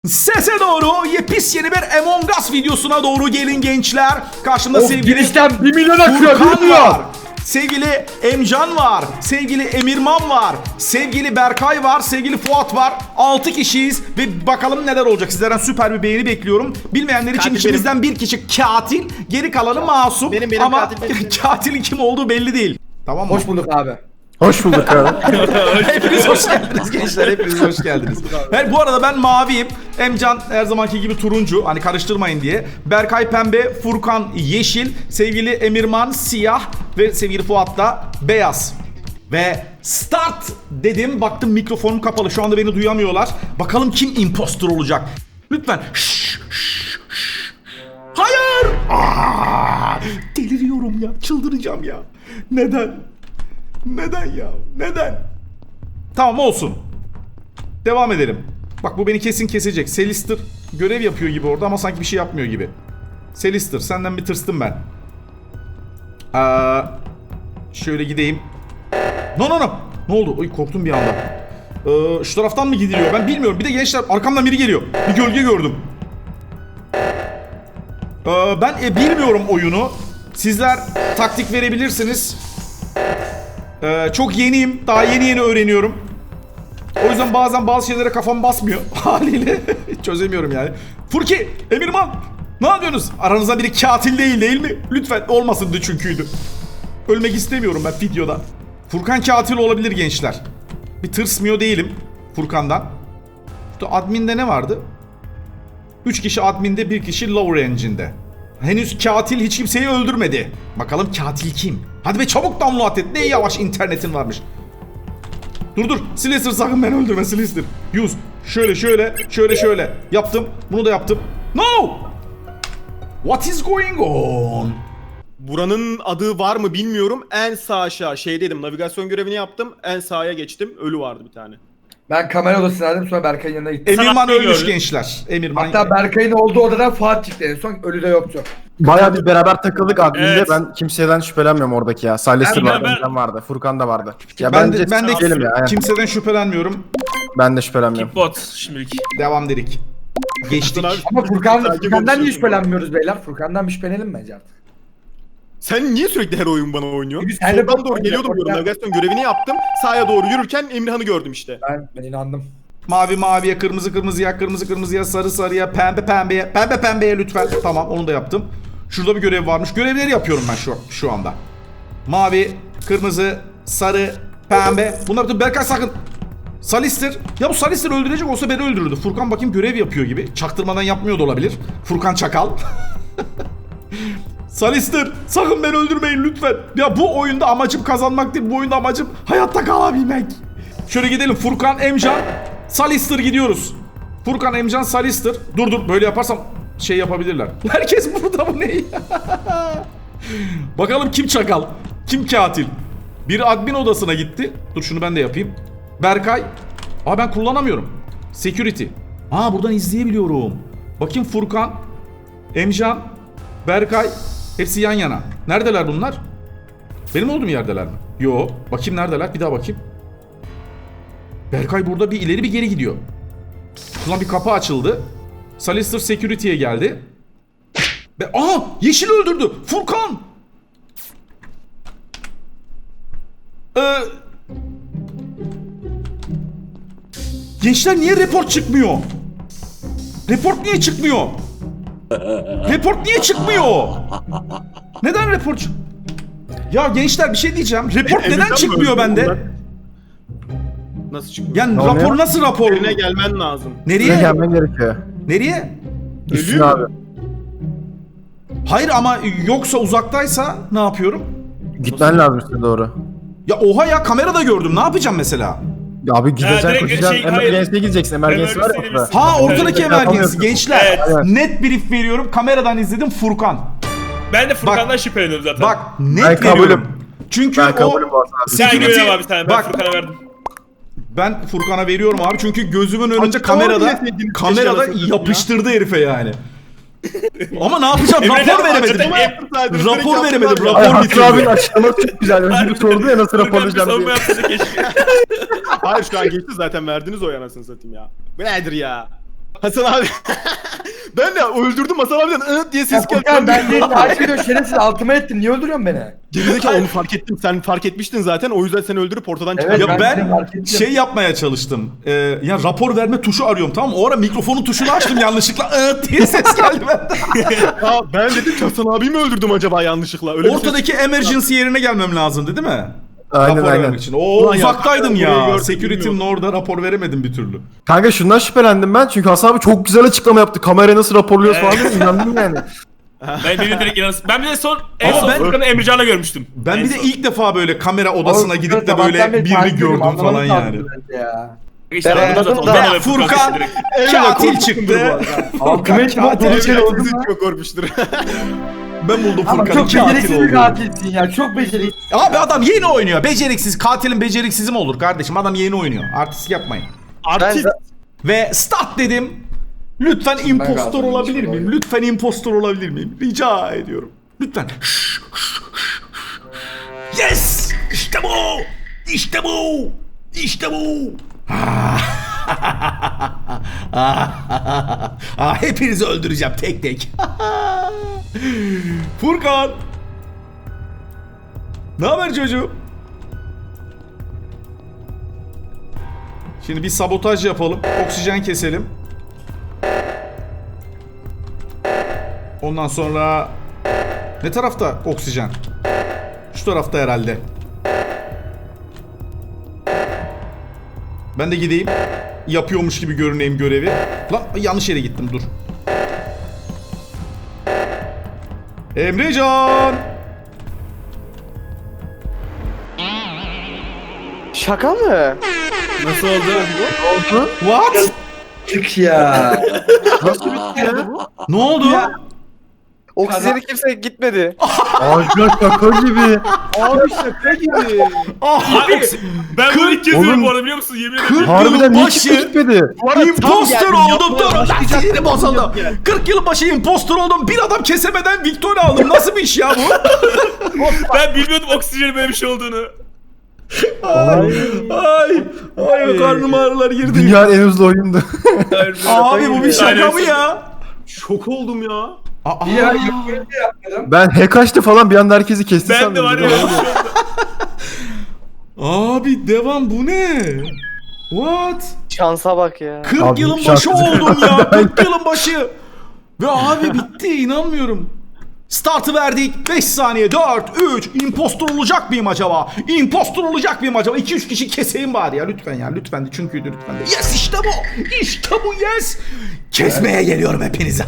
Sese doğru yepyeni bir Among Us videosuna doğru gelin gençler. Karşımda Of, sevgili girişten 1 milyon akıyor, Furkan bilmiyor. var. Sevgili Emcan var. Sevgili Emirman var. Sevgili Berkay var. Sevgili Fuat var. 6 kişiyiz ve bakalım neler olacak. Sizlerden süper bir beğeni bekliyorum. Bilmeyenler için Katil içimizden bir kişi katil, geri kalanı masum. Benim Ama katil benim. katilin kim olduğu belli değil. Tamam mı? Hoş bulduk abi. Hoş bulduk abi. Hepiniz hoş geldiniz gençler. Hepiniz hoş geldiniz. Evet, bu arada ben maviyim. Emcan her zamanki gibi turuncu. Hani karıştırmayın diye. Berkay pembe, Furkan yeşil, sevgili Emirman siyah ve sevgili Fuat da beyaz. Ve start dedim. Baktım mikrofonum kapalı. Şu anda beni duyamıyorlar. Bakalım kim impostor olacak. Lütfen. Hayır. Deliriyorum ya. Çıldıracağım ya. Neden? Neden ya? Neden? Tamam olsun. Devam edelim. Bak bu beni kesin kesecek. Selister görev yapıyor gibi orada ama sanki bir şey yapmıyor gibi. Selister senden bir tırstım ben. Şöyle gideyim. No. Ne oldu? Oy, korktum bir anda. Şu taraftan mı gidiliyor? Ben bilmiyorum. Bir de gençler arkamdan biri geliyor. Bir gölge gördüm. Ben bilmiyorum oyunu. Sizler taktik verebilirsiniz. Çok yeniyim. Daha yeni öğreniyorum. O yüzden bazen bazı şeylere kafam basmıyor. Haliyle çözemiyorum yani. Furki, Emirman, ne yapıyorsunuz? Aranızda biri katil değil mi? Lütfen olmasındı çünküydü. Ölmek istemiyorum ben videoda. Furkan katil olabilir gençler. Bir tırsmıyor değilim Furkan'dan. İşte adminde ne vardı? 3 kişi adminde, 1 kişi lower engine'de. Henüz katil hiç kimseyi öldürmedi. Bakalım katil kim? Hadi be çabuk download et. Ne yavaş internetin varmış. Dur. Slicer sakın beni öldürme Slicer. Use. Şöyle. Yaptım. Bunu da yaptım. No! What is going on? Buranın adı var mı bilmiyorum. En sağ aşağı şeydeydim. Navigasyon görevini yaptım. En sağa geçtim. Ölü vardı bir tane. Ben kamera odasındaydım, sonra Berkay'ın yanına gittim. Emirman Sanat ölmüş gördüm. gençler. Emirman. Hatta Berkay'ın olduğu odadan Fuat çıktı en son, ölü de yoktu. Bayağı biz beraber takıldık adminde. Evet. Ben kimseden şüphelenmiyorum oradaki ya. Salih'tir vardı, ben- Emcan vardı, Furkan da vardı. Ya ben bence de gelin ya. kimseden şüphelenmiyorum. Ben de şüphelenmiyorum. Bot şimdilik. Devam dedik. Geçtik. Ama Furkan'dan niye konuşuyorsun. şüphelenmiyoruz beyler? Furkan'dan bir şüphelenelim bence artık. Sen niye sürekli her oyun bana oynuyorsun? Biz her Soldan oyun- doğru geliyordum diyorum. Navigasyon görevini yaptım. Sağa doğru yürürken Emirhan'ı gördüm işte. Ben inandım. Mavi maviye, kırmızı kırmızıya, kırmızı kırmızıya, sarı sarıya, pembe pembeye, pembe pembeye lütfen. Tamam, onu da yaptım. Şurada bir görev varmış. Görevleri yapıyorum ben şu anda. Mavi, kırmızı, sarı, pembe. Bunlar da Berkay sakın. Salister. Ya bu Salister öldürecek olsa beni öldürürdü. Furkan bakayım görev yapıyor gibi. Çaktırmadan yapmıyor da olabilir. Furkan çakal. Salister sakın beni öldürmeyin lütfen. Ya bu oyunda amacım kazanmak değil. Bu oyunda amacım hayatta kalabilmek. Şöyle gidelim. Furkan, Emcan, Salister gidiyoruz. Furkan, Emcan, Salister. Dur böyle yaparsam şey yapabilirler. Herkes burada, bu ne? Bakalım kim çakal? Kim katil? Biri admin odasına gitti. Dur şunu ben de yapayım. Berkay. Ben kullanamıyorum. Security. Buradan izleyebiliyorum. Bakayım Furkan, Emcan, Berkay. Hepsi yan yana. Neredeler bunlar? Benim olduğum yerdeler mi? Yo. Bakayım neredeler? Bir daha bakayım. Berkay burada bir ileri bir geri gidiyor. Şuradan bir kapı açıldı. Salister Security'ye geldi. Yeşil öldürdü. Furkan. Gençler niye report çıkmıyor? Report niye çıkmıyor? Report niye çıkmıyor? Neden report Ya gençler bir şey diyeceğim. Report neden Emirhan çıkmıyor mı öldü? bende? Nasıl çıkıyor? Yani Ne rapor oluyor? nasıl rapor? Yerine gelmen lazım. Buraya Nereye? gelmen gerekiyor. Nereye? Üstüne abi. Hayır ama yoksa uzaktaysa ne yapıyorum? Gitmen lazım üstüne doğru. Ya oha ya, kamerada gördüm. Ne yapacağım mesela? Ya abi gideceksin, direkt koşacaksın. hayır. Emergency'ye gideceksin. Emergency var ya Emergency'ye orada. gitsin. Ortadaki Evet, emergency yapamıyorsun. gençler. Evet. Net brief veriyorum. Kameradan izledim Furkan. Ben de Furkan'dan şüpheleniyorum zaten. Bak net Ben kabulüm. veriyorum. Çünkü Ben o kabulüm bu arada. sen security- güvenem abi sen. Ben Bak, Furkan'a verdim. ben Furkan'a veriyorum abi çünkü gözümün önünde Açıklama kamerada diyeseydiniz, kamerada keşke arasında yapıştırdı herife yani. Ama ne yapacağım? Emre Rapor de veremedim. açıklama Rapor veremedim. Ay, Rapor Hakkı bitirdi. abinin açıklaması çok güzel. Önce bir sordu ya nasıl raporlayacağım Savunma diye. yapsaydı keşke. Hayır şu an geçti zaten verdiniz o anasını satayım ya. Bu nedir ya? Hasan abi. Ben de öldürdüm Hasan abiden diye Ya ses geldi. Furkan ben değil takip ediyorum şerefsiz altıma ettin. Niye öldürüyorsun beni? Gerizekalı onu fark ettim. Sen fark etmiştin zaten. O yüzden seni öldürüp ortadan Evet, çıkardım. Ya ben de ben fark ettim. şey yapmaya çalıştım. Ya rapor verme tuşu arıyorum, tamam mı? O ara mikrofonun tuşunu açtım yanlışlıkla diye ses geldi benden. Ya ben dedim ki Hasan abi mi öldürdüm acaba yanlışlıkla? Öyle bir ses- Ortadaki emergency yerine gelmem lazımdı değil mi? Aynen Rapor aynen. vermek için. Ulan ya, Uzaktaydım orayı ya. gördüm, Security'nin bilmiyordum. orada rapor veremedim bir türlü. Kanka şundan şüphelendim ben çünkü Hasan abi çok güzel açıklama yaptı. Kamerayı nasıl raporluyoruz falan diye inandım yani. Ben beni direkt inanırsın. Ben bir de en Ama son ben- Furkan'ı Emrecan'la görmüştüm. Ben En bir de son. ilk defa böyle kamera odasına Oğlum, gidip de sabahtan böyle beri birini takip ediyorum, gördüm falan anlamadım yani. bence ya. İşte Ben anladım anladım zaten. da- Ben de Furkan Evet, katil korkmuşsundur çıktı. bu arada. Altıma ettim. Katil Katil çıktı. oldu mu? Çok korkmuştur. Ben buldum Ama Furkan'ın çok beceriksiz katil bir olduğunu. katilsin ya. Çok beceriksiz. Abi adam yeni oynuyor. Beceriksiz. Katilin beceriksizi mi olur kardeşim? Adam yeni oynuyor. Artist yapmayın. Artist. Ve start dedim. Lütfen impostor galiba olabilir hiç miyim? olayım. Lütfen impostor olabilir miyim? Rica ediyorum. Lütfen. Yes! İşte bu! İşte bu! İşte bu! Hepinizi öldüreceğim tek tek. Furkan! Ne haber çocuğum? Şimdi bir sabotaj yapalım. Oksijen keselim. Ondan sonra... Ne tarafta oksijen? Şu tarafta herhalde. Ben de gideyim. Yapıyormuş gibi görüneyim görevi. Lan yanlış yere gittim, dur. Emrecan! Şaka mı? Nasıl oldu? What? Çık ya. Ne oldu? Oksijeni kimse gitmedi. Ağaçlar şaka gibi. Abi şaka gibi. Abi! Ben bunu ilk kez diyorum Oğlum. bu arada biliyor musun? Yemin ederim. 40 Harbiden yılın niye başı kimse gitmedi? imposter geldim, oldum. yapmaya Dur lan başlayacaktım. sinirim bozuldu. 40 yılın başı imposter oldum. Bir adam kesemeden Victoria aldım. Nasıl bir iş ya bu? Ben bilmiyordum oksijenin böyle bir şey olduğunu. Ay karnım ağrılar girdi. Dünyanın en hızlı oyundu. Abi bu bir şaka mı Aynen. ya? Şok oldum ya. Aa, Ya yapıyorum diye yapmadım. Ben hack açtı falan bir anda herkesi kesti Ben de sandım. var ya. Abi devam, bu ne? What? Şansa bak ya. 40 Abi, yılın başı şarkıcı. oldum ya. 40 yılın başı. Ve abi bitti, inanmıyorum. Startı verdik. 5 saniye. 4, 3. Impostor olacak mıyım acaba? Impostor olacak mıyım acaba? 2-3 kişi keseyim bari ya. Lütfen ya. Lütfen de. Çünkü lütfen de. Yes, işte bu. İşte bu, yes. Kesmeye geliyorum hepinizi.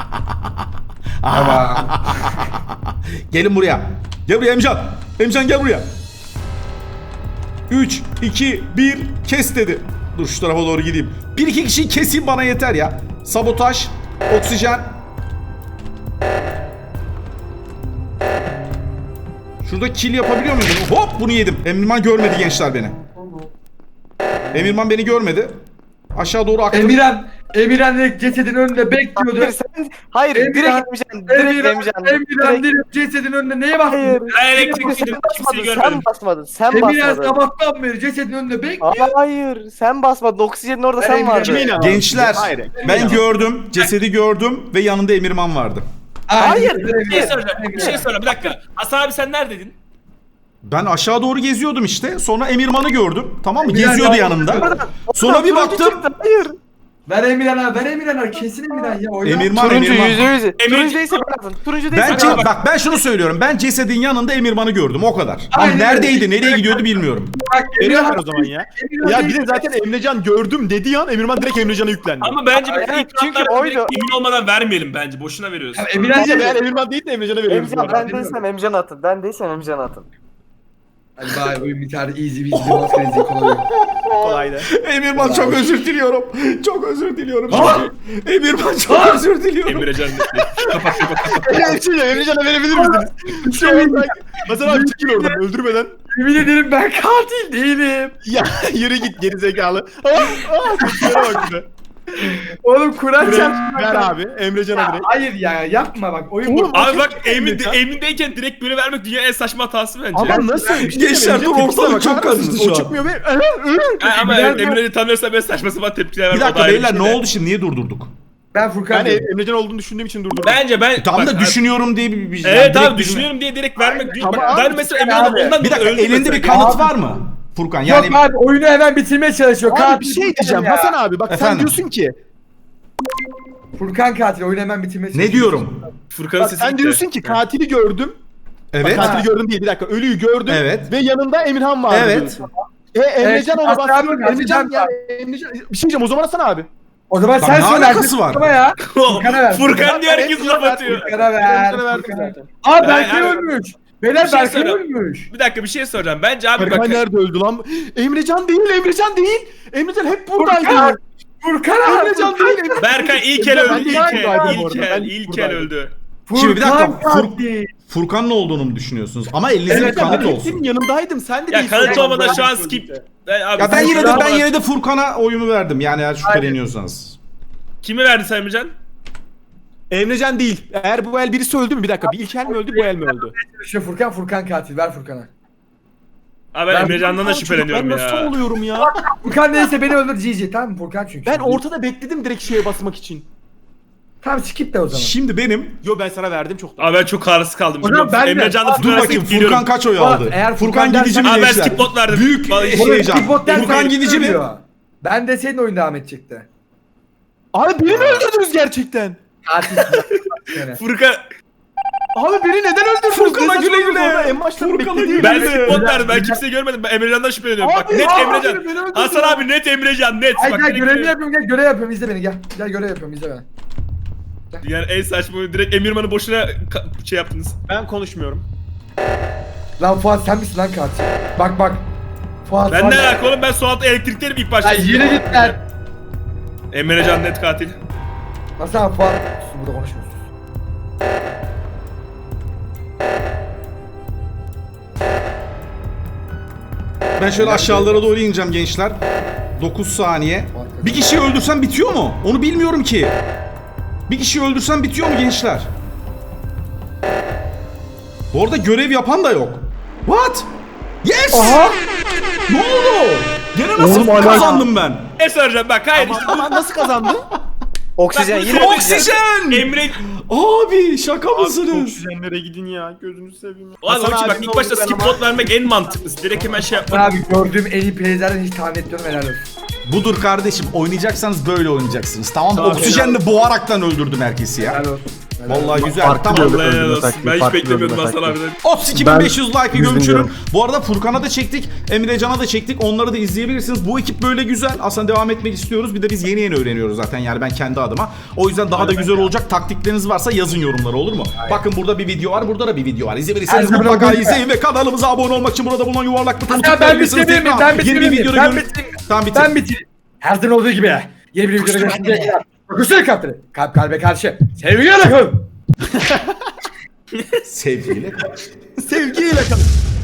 Gelin buraya. Gel buraya Emcan. Emcan gel buraya. 3, 2, 1. Kes dedi. Dur şu tarafa doğru gideyim. 1-2 kişiyi keseyim, bana yeter ya. Sabotaj. Oksijen. Şurada kill yapabiliyor muyum? Hop, bunu yedim. Emirman görmedi gençler beni. Emirman beni görmedi. Aşağı doğru aktım. Emirhan direkt cesedin önünde bekliyordu. Hayır, Emirhan- direkt Emcan. Direkt Emcan. Emirhan direkt cesedin önünde neye Hayır. baktın? Ben elektrikliydim. Sen Kimseyi basmadın, görmedim. sen basmadın, sen Emirhan basmadın. sabahtan beri cesedin önünde bekliyor. Hayır, sen basmadın. Oksijenin orada sen Emirhan- vardın. Kime inandın? Gençler, Hayır. ben gördüm. Cesedi gördüm ve yanında Emirman vardı. Hayır. Bir şey soracağım. Bir şey soracağım. Bir dakika. Hasan abi sen neredeydin? Ben aşağı doğru geziyordum işte. Sonra Emirman'ı gördüm. Tamam mı? Emirman Geziyordu ya. yanımda. Sonra bir Turuncu baktım. çıktı, hayır. Ver Emirhan'a, ver Emirhan'a. Kesin Emirhan ya. Oyna. Emirman, Turuncu Emirman. %100. Turuncu değilse ben atın. Turuncu değilse Ben ben atın. bak ben şunu söylüyorum. Ben cesedin yanında Emirman'ı gördüm, o kadar. Ama Aynen öyle. neredeydi, nereye gidiyordu bilmiyorum. Bak Veriyorum ben o zaman ya. Emirhan Ya bir değil. de zaten Emrecan gördüm dediği an Emirman direkt Emrecan'a yüklendi. Ama bence Evet, ilk çünkü roundlarda oydu. direkt emin olmadan vermeyelim bence. Boşuna veriyoruz. Ya Emirhan Ama değil. eğer Emirman değil de Emrecan'a veriyoruz. bu Emcan arada. ben değilsem Emcan atın. Ben değilsem Emcan atın. Hadi bari oyun biter. Easy bir maskenizi kolay. Kolaydı. Emirman çok özür diliyorum. Çok özür diliyorum. Emirman çok özür diliyorum. Emrecan Ya bir şey ya Emrecan'a verebilir misiniz? Şu an sanki- Hasan abi çekil oradan öldürmeden. Yemin ederim ben katil değilim. Ya yürü git geri zekalı. Aa, bak bize. Oğlum Kur'an çarpsın. Ver abi. Emrecan'a direkt. Hayır ya yapma bak. Oyun bu. Abi bak emindeyken direkt böyle vermek dünyanın en saçma hatası bence. Ama nasıl? Bir şey Gençler, dur, söyleyeceğim, ortalık tepkisine çok bakar mısınız? karıştı şu O an. çıkmıyor ve... Ama Emre'yi tanıyorsa ben saçma sapan tepkiler vermem. Bir o dakika da ayrı bir beyler şey ne de. oldu şimdi? Niye durdurduk? Ben Furkan Ben diyorum. Emrecan olduğunu düşündüğüm için durdurdum. Bence ben... Tamam bak, da düşünüyorum diye bir Evet yani abi direkt düşünüyorum diye direkt vermek değil. Tamam Bak, abi, ben mesela abi. Emre'den ondan Bir dakika öldüm elinde bir mesela. kanıt var mı? Furkan yani Yok abi oyunu hemen bitirmeye çalışıyor. Abi Katil bir şey Furkan diyeceğim ya. Hasan abi bak sen Efendim? diyorsun ki Furkan katil oyunu hemen bitirmeye çalışıyor. ne diyorum? Furkan'ın bak sesi sen gitti. diyorsun ki katili gördüm. Evet. Bak, katili gördüm değil bir dakika ölüyü gördüm. Evet. Ve yanında Emirhan vardı Evet. diyorsun. Emrecan ona Hasan bastırıyor. abi, Emrecan Hasan ya Emrecan bir şey diyeceğim o zaman Hasan abi. O zaman Bak, sen ne söyle. alakası var? Ama ya. Furkan'a ver. Furkan diye herkes Furkan'a laf ver, atıyor. Furkan'a ver. Emrecan'a verdim Furkan'a. zaten. Aa Berkay Ben- ölmüş. Beyler Bir şey Berkay söyleyeyim. ölmüş. Bir dakika bir şey soracağım. Bence abi Berkay bak. nerede öldü lan? Emrecan değil Emrecan değil. Emrecan hep buradaydı. Furkan. Furkan abi. Emrecan değil. Emrecan. Berkay ilk el Ben öldü. de İlk buradaydım el. bu İlk arada, el. ben İlk el buradaydım. öldü. Şimdi bir dakika, katil. Furkan'ın olduğunu mu düşünüyorsunuz? Ama elinizde bir Evet, kanıt ben olsun. senin yanındaydım sen de Ya değilsin. kanıt Ben olmadan şu an buradaydım. skip. Abi, Ya ben Furkan- yine de Furkan'a oyumu verdim. Yani eğer şüpheleniyorsanız. Kime verdin sen Emrecan? Emrecan değil. Eğer bu el birisi öldü mü? Bir dakika. Bir ilk el mi öldü bu el mi öldü? Şu Furkan katil. Ver Furkan'a. Abi ben Emrecan'dan da Ben şüpheleniyorum nasıl ya. oluyorum ya? Furkan neyse beni öldür GG tamam mı Furkan çünkü. Ben ortada bekledim direkt şeye basmak için. Tamam skip de o zaman. Şimdi benim... Yo ben sana verdim çok. Abi ben çok kararsız kaldım. O zaman ben de- Emrecan'la Dur Furkan bakayım arasında Furkan kaç oy Bak, aldı? eğer Furkan Furkan gidici mi Abi ben gençler? skip bot verdim. Büyük Vallahi- heyecan. Skip der Furkan gidici mi? Ben de senin oyun devam edecekti. Abi beni mi öldürdünüz gerçekten? Katil. Yani. Furkan Abi beni neden öldürdünüz? Furkan'a Ne güle güle. saçmalıyorsunuz orada? En başta Furkan'a beklediğim. güle ben güle. skip bot verdim. Ben kimseyi görmedim. Ben Emrecan'dan şüpheleniyorum. Bak Abi, net abi, Emrecan. beni öldürdün Hasan ya. abi net Emrecan net. Ay Bak, gel direkt görevimi yapıyorum gel görev yapıyorum izle beni gel. Gel görev yapıyorum izle beni. Yani en saçma direkt Emirman'ı boşuna şey yaptınız. Ben konuşmuyorum. Lan Fuat sen misin lan katil? Bak. Fuat Ben ne alaka oğlum ben su altı elektrikteyim ilk başta. Lan yürü git lan. Emrecan net katil. Hasan Fuat. Sus burada konuşmuyoruz. Ben şöyle aşağılara doğru ineceğim gençler. 9 saniye. Bir kişiyi öldürsem bitiyor mu? Onu bilmiyorum ki. Bir kişiyi öldürsem bitiyor mu gençler? Bu arada görev yapan da yok. What? Yes! Aha. Ne oldu? Gene nasıl Oğlum, hala- kazandım ben? Ne soracağım bak hayır işte. Ama nasıl kazandı? Oksijen Bak, yine bu Oksijen! Emre... Abi şaka mısınız? Oksijenlere gidin ya gözünü seveyim. Abi onun için bak ilk başta skip bot vermek en mantıklısı. Direkt hemen şey yapmak. Abi gördüğüm en iyi player'lerden hiç tahmin etmiyorum helal olsun. Budur kardeşim. Oynayacaksanız böyle oynayacaksınız. Tamam mı? Tamam, Oksijenle boğaraktan öldürdüm herkesi ya. Helal olsun. Vallahi güzel. Farklı Tamam. böyle. Vallahi helal öldürme olsun. taktiği, Ben hiç farklı beklemiyordum öldürme Hasan taktiği. abiden. 32.500 like'ı yüz bin gömçürüm. diyorum. Bu arada Furkan'a da çektik. Emrecan'a da çektik. Onları da izleyebilirsiniz. Bu ekip böyle güzel. Aslında devam etmek istiyoruz. Bir de biz yeni öğreniyoruz zaten yani ben kendi adıma. O yüzden daha da güzel olacak. Taktikleriniz varsa yazın yorumlara olur mu? Bakın burada bir video var. Burada da bir video var. İzleyebilirseniz Her zaman mutlaka olduğu gibi. izleyin ve kanalımıza abone olmak için burada bulunan yuvarlak butonu Hasan ben tıklayabilirsiniz. bitireyim mi? Tekrar Ben yeni bir bitireyim mi? videoda Ben görün- bitireyim. Tamam bitir. Ben bitireyim. Her zaman olduğu gibi. Yeni bir videoda görüşmek üzere. Kusura kalpleri. Kalp kalbe karşı. Sevgiyle kalın. Sevgiyle. Sevgiyle kalın.